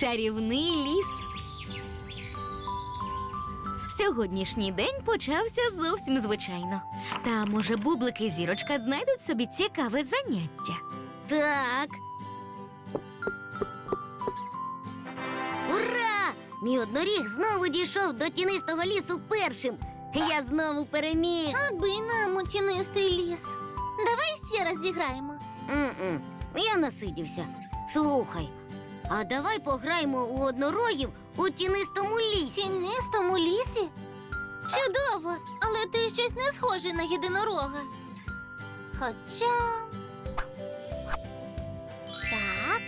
Чарівний ліс. Сьогоднішній день почався зовсім звичайно. Та, може, Бублик і Зірочка знайдуть собі цікаве заняття. Так. Ура! Мій одноріг знову дійшов до тінистого лісу першим. Я знову переміг. Аби нам у тінистий ліс. Давай ще раз зіграємо. Я насидівся. Слухай, а давай пограємо у однорогів у тінистому В лісі. тінистому лісі? Чудово, але ти щось не схожий на єдинорога. Хоча... Так.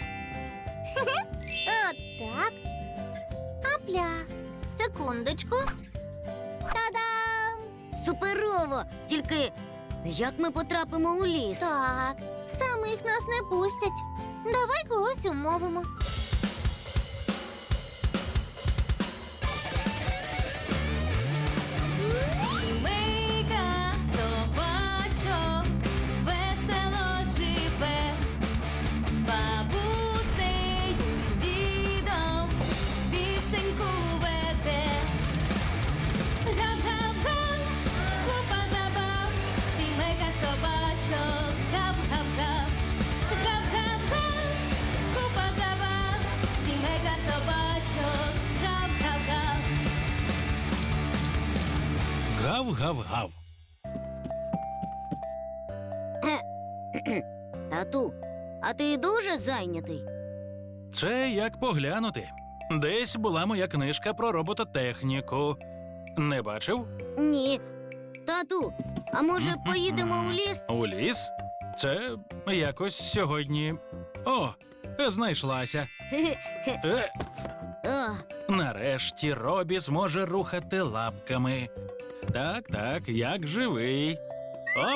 Отак. Апля. Секундочку. Та-дам! Суперово! Тільки як ми потрапимо у ліс? Так, самих нас не пустять. Давай когось умовимо. Сімейка собачок весело живе, з бабусею, з дідом пісеньку веде. Гав-гав-га, купа забав, сімейка собачок, гав-гав-гав. Гав-гав-га, купа забав, сімейка собачок, гав-гав-гав. Гав-гав-гав. Тату, а ти дуже зайнятий? Це як поглянути. Десь була моя книжка про робототехніку. Не бачив? Ні. Тату, а може поїдемо у ліс? У ліс? Це якось сьогодні. О, знайшлася. О, Нарешті Робі зможе рухати лапками. Так, так, як живий. Оп.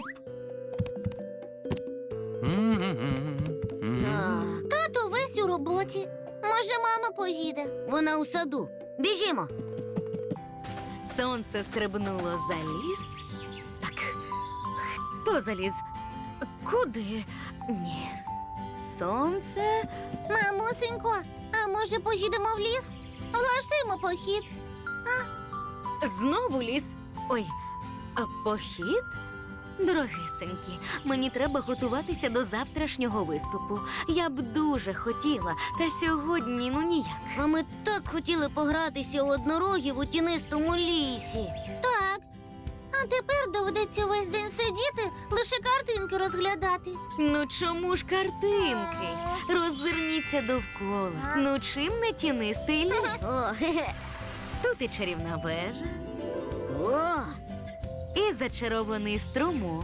так. Тато весь у роботі. Може, мама поїде? Вона у саду. Біжімо. Сонце стрибнуло за ліс. Так, хто заліз? Куди? Ні. Сонце. Мамусенько, а може поїдемо в ліс? Влаштуємо похід. Знову ліс. Ой, а похід? Дорогесенькі, мені треба готуватися до завтрашнього виступу. Я б дуже хотіла, та сьогодні ніяк. А ми так хотіли погратися у однорогів у тінистому лісі. Так. А тепер доведеться весь день сидіти, лише картинки розглядати. Ну чому ж картинки? Роззирніться довкола. Ну чим не тінистий ліс? О, хе-хе. Тут і чарівна вежа, О, і зачарований струмок,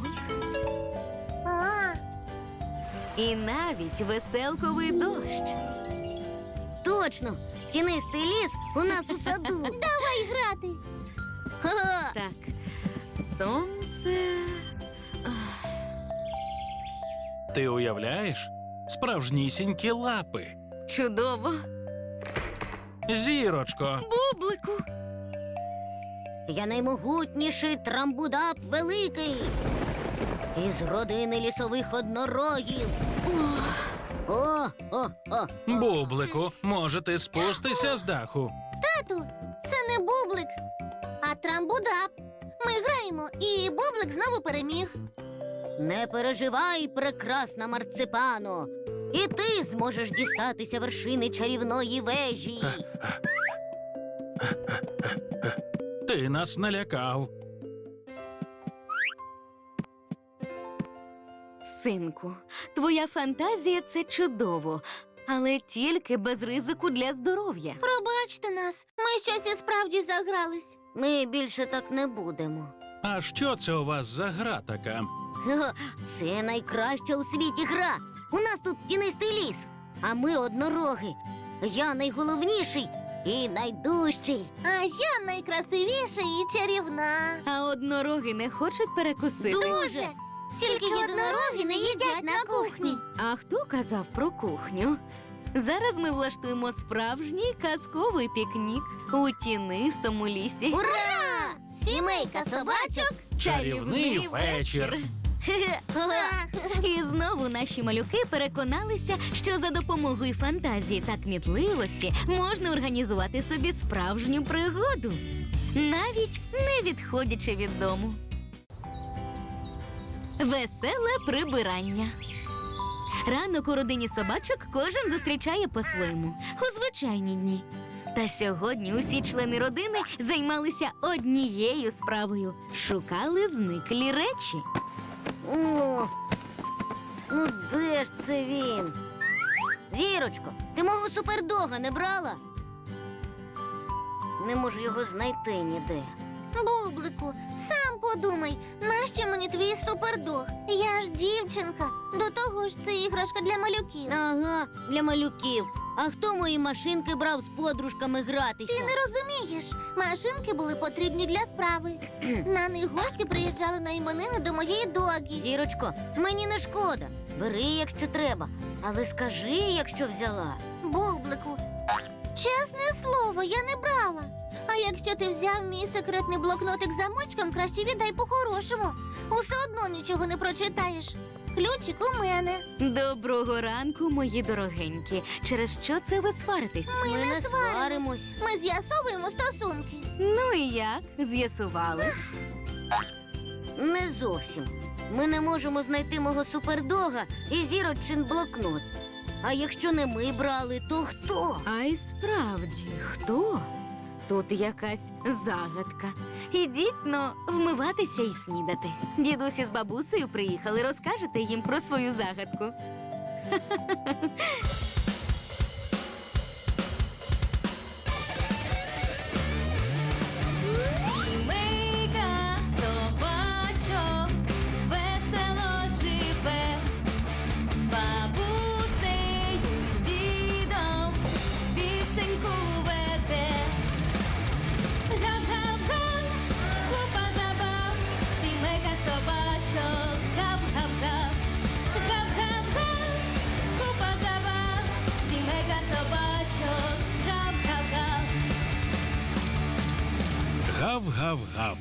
А, і навіть веселковий дощ. точно. Тінистий ліс у нас у саду. давай грати. Ха-ха. Так, сонце. Ти уявляєш? Справжнісінькі лапи. Чудово. Зірочко. Бублику. Я наймогутніший трамбудап великий. Із родини лісових однорогів. О. Бублику, може ти спустися з даху? Тату, це не бублик, а трамбудап. Ми граємо, і бублик знову переміг. Не переживай, прекрасна марципано. І ти зможеш дістатися вершини чарівної вежі. Ти нас налякав. Синку, твоя фантазія – це чудово, але тільки без ризику для здоров'я. Пробачте нас, ми щось і справді загрались. Ми більше так не будемо. А що це у вас за гра така? Ха-ха, це найкраща у світі гра. У нас тут тінистий ліс, а ми однороги. Я найголовніший і найдужчий. А я найкрасивіша і чарівна. А однороги не хочуть перекусити? Дуже! Тільки єдинороги не їдять на кухні. А хто казав про кухню? Зараз ми влаштуємо справжній казковий пікнік у тінистому лісі. Ура! Сімейка собачок. Чарівний вечір. І знову наші малюки переконалися, що за допомогою фантазії та кмітливості можна організувати собі справжню пригоду, навіть не відходячи від дому. Веселе прибирання. Ранок у родині собачок кожен зустрічає по-своєму у звичайні дні. Та сьогодні усі члени родини займалися однією справою – шукали зниклі речі. О, ну де ж це він? Зірочко, ти мого супердога не брала? Не можу його знайти ніде. Бублику, сам подумай, нащо мені твій супердог? Я ж дівчинка. До того ж, це іграшка для малюків. Ага, для малюків. А хто мої машинки брав з подружками гратися? Ти не розумієш. Машинки були потрібні для справи. На них гості приїжджали на іменини до моєї догі. Зірочко, мені не шкода. Бери, якщо треба. Але скажи, якщо взяла. Бублику, чесне слово, я не брала. А якщо ти взяв мій секретний блокнотик з замочком, краще віддай по-хорошому. Усе одно нічого не прочитаєш. Ключик у мене. Доброго ранку, мої дорогенькі. Через що це ви сваритесь? Ми не сваримось. Ми з'ясовуємо стосунки. Ну і як? З'ясували? Не зовсім. Ми не можемо знайти мого супердога і зірочин блокнот. А якщо не ми брали, то хто? А й справді, хто? Тут якась загадка. Ідіть, но, вмиватися і снідати. Дідусь із бабусею приїхали, розкажете їм про свою загадку. Сімейка собачок весело живе, з бабусею, з дідом пісеньку веде. Гав-гав-га, купа забав, сімейка собачок, гав-гав-гав. Гав-гав-га, купа забав, сімейка собачок, гав-гав-гав. Гав-гав-гав.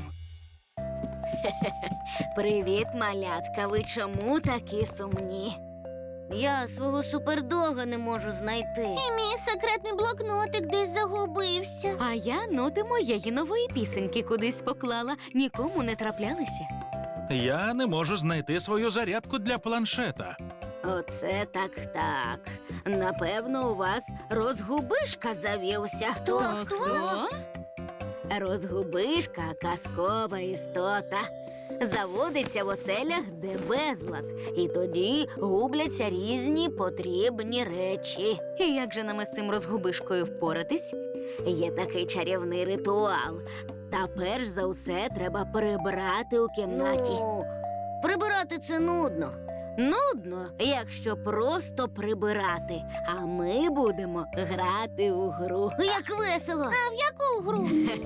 Привіт, малятка. Ви чому такі сумні? Я свого супердога не можу знайти. І мій секретний блокнотик десь загубився. А я ноти моєї нової пісеньки кудись поклала, нікому не траплялися. Я не можу знайти свою зарядку для планшета. Оце так. Напевно, у вас розгубишка завівся. Хто? Розгубишка – казкова істота. Заводиться в оселях, де безлад, і тоді губляться різні потрібні речі. І як же нам із цим розгубишкою впоратись? Є такий чарівний ритуал. Та перш за все треба прибрати у кімнаті. Ну, прибирати це нудно. Нудно, якщо просто прибирати, а ми будемо грати у гру. Як весело. А в яку гру?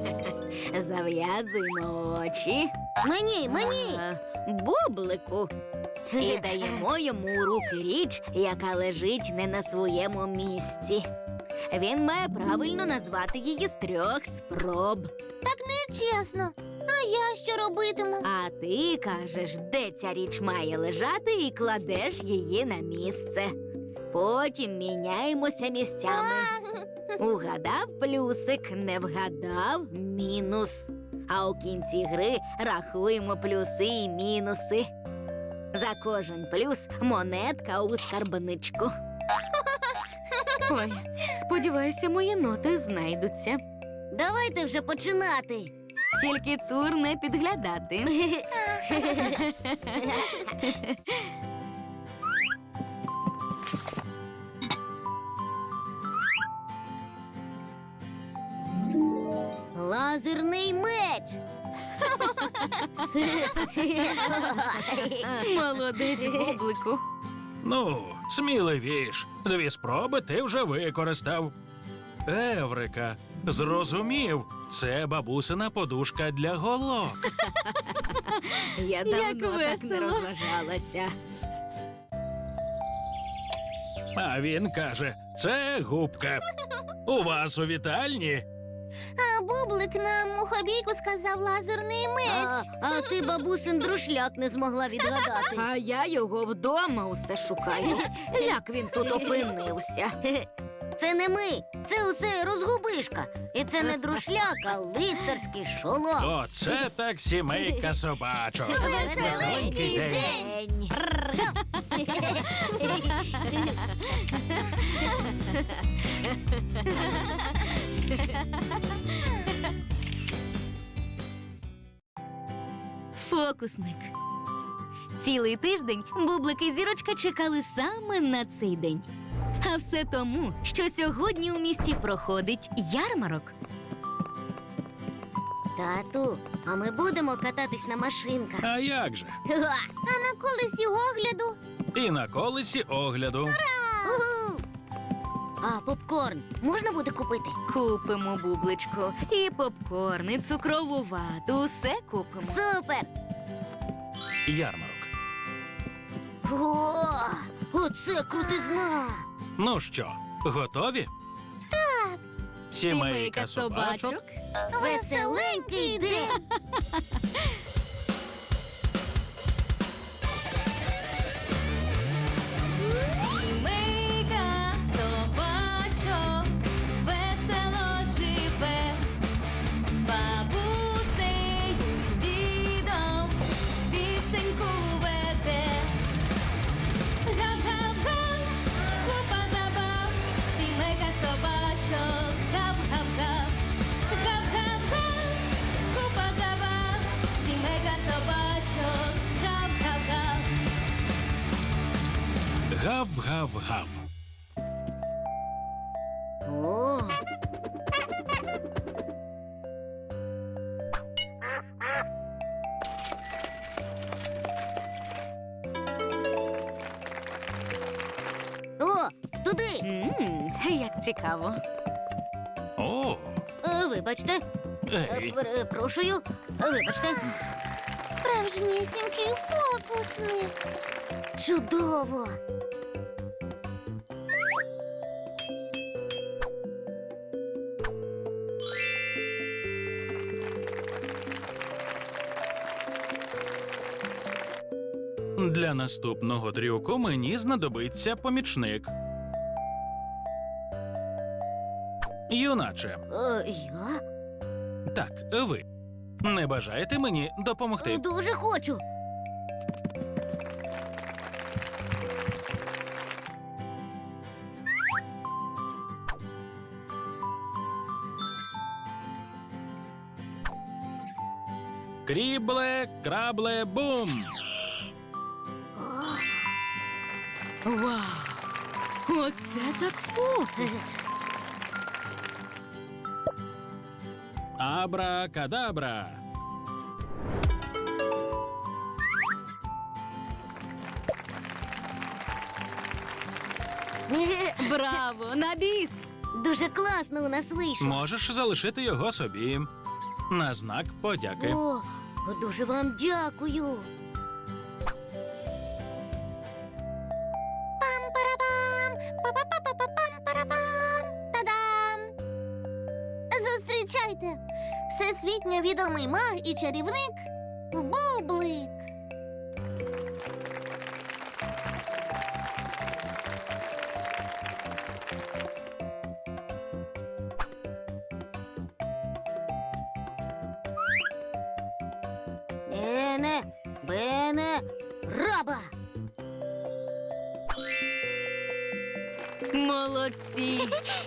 Зав'язуємо очі. Мені. Бублику. І даємо йому у руки річ, яка лежить не на своєму місці. Він має правильно назвати її з 3 спроб. Так нечесно. А я що робитиму? А ти кажеш, де ця річ має лежати, і кладеш її на місце. Потім міняємося місцями. Угадав плюсик, не вгадав мінус. А у кінці гри рахуємо плюси і мінуси. За кожен плюс монетка у скарбничку. Ой, сподіваюся, мої ноти знайдуться. Давайте вже починати. Тільки цур не підглядати. Лазерний меч. Молодець, Бублику. Ну, сміливіш. 2 спроби ти вже використав. Еврика, зрозумів, це бабусина подушка для голок. Я давно так не весело. розважалася. А він каже, це губка. У вас у вітальні А бублик нам у хобійку сказав лазерний меч. А ти бабусин друшляк не змогла відгадати. А я його вдома усе шукаю. Як він тут опинився? Це не ми, це усе розгубишка. І це не друшляк, а лицарський шолом. Оце так сімейка собачок. Веселенький день. Фокусник. Цілий тиждень Бублик і Зірочка чекали саме на цей день. А все тому, що сьогодні у місті проходить ярмарок. Тату, а ми будемо кататись на машинках. А як же? А на колесі огляду. І на колесі огляду. Уху! А попкорн можна буде купити? Купимо бубличку. І попкорн, і цукрову вату. Усе купимо. Супер! Ярмарок. О, оце крутизна! Ну що, готові? Так. Сімейка собачок. Веселенький день! Сімейка собачок весело живе, з бабусею, з дідом пісеньку веде. Гав-гав-га, купа забав, сімейка собачок, гав-гав-гав. Гав-гав-га, купа забав, сімейка собачок, гав-гав-гав. Гав-гав-гав. О! О, туди! Як цікаво. О, Вибачте, ей. перепрошую, вибачте. Справжнісінький фокусник. Чудово! Для наступного трюку мені знадобиться помічник. Юначе, Я? так, ви. Не бажаєте мені допомогти? Дуже хочу. Крібле, крабле, бум! Вау! Оце так фокус! Абра-кадабра! Браво! На біс! Дуже класно у нас вийшло. Можеш залишити його собі. На знак подяки. О, дуже вам дякую. Пам-парабам! Па-па-па-па-пам-парабам! Та-дам! Зустрічайте! Всесвітньо відомий маг і чарівник Бублик. Ене, бене, раба! Молодці!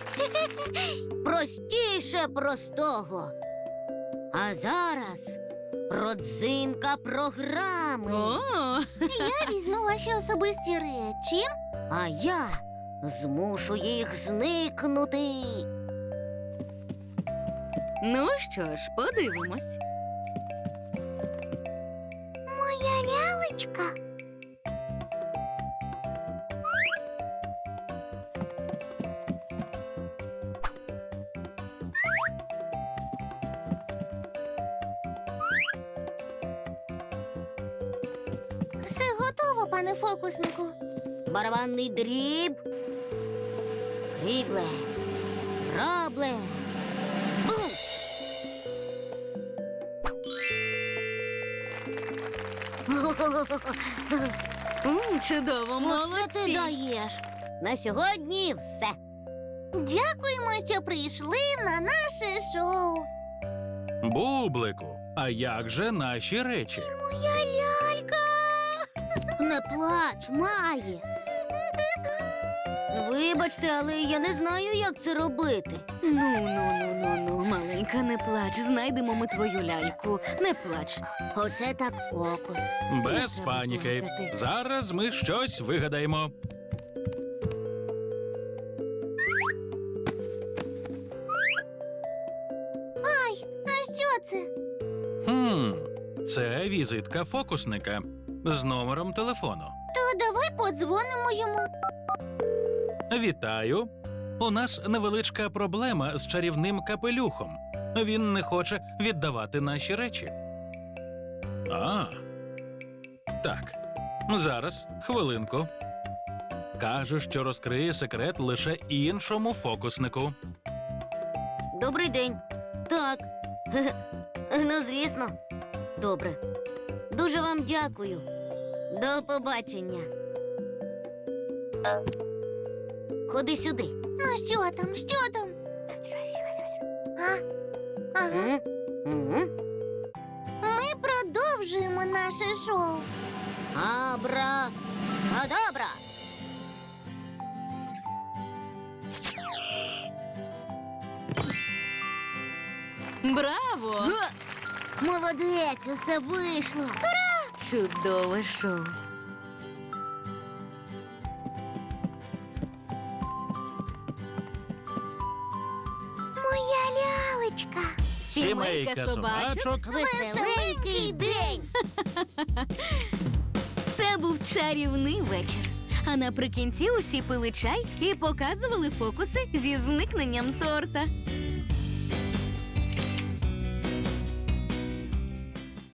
Простіше простого. А зараз родзинка програми. О! Я візьму ваші особисті речі. А я змушу їх зникнути. Ну що ж, подивимось. Моя лялечка. Все готово, пане фокуснику. Барабанний дріб. Крібле, рабле, бум! Чудово, Оце ти молодці. даєш. На сьогодні все. Дякуємо, що прийшли на наше шоу. Бублику, а як же наші речі? Моя лялька. Не плач, Має. Вибачте, але я не знаю, як це робити. Ну, маленька, не плач. Знайдемо ми твою ляльку. Не плач. Оце так фокус. Без треба паніки. плакати. Зараз ми щось вигадаємо. Ай, а що це? Це візитка фокусника з номером телефону. То давай подзвонимо йому. Вітаю. У нас невеличка проблема з чарівним капелюхом. Він не хоче віддавати наші речі. Так. Зараз, хвилинку. Каже, що розкриє секрет лише іншому фокуснику. Добрий день. Так. Ну, звісно. Добре. Дуже вам дякую. До побачення. Ходи сюди. Ну що там, що там? Ага. Мгм. Ми продовжуємо наше шоу. Абра. Адабра. Браво! Молодець, усе вийшло. Чудове шоу. Моя лялечка. Сімейка собачок. Веселенький день. Це був чарівний вечір. А наприкінці усі пили чай і показували фокуси зі зникненням торта.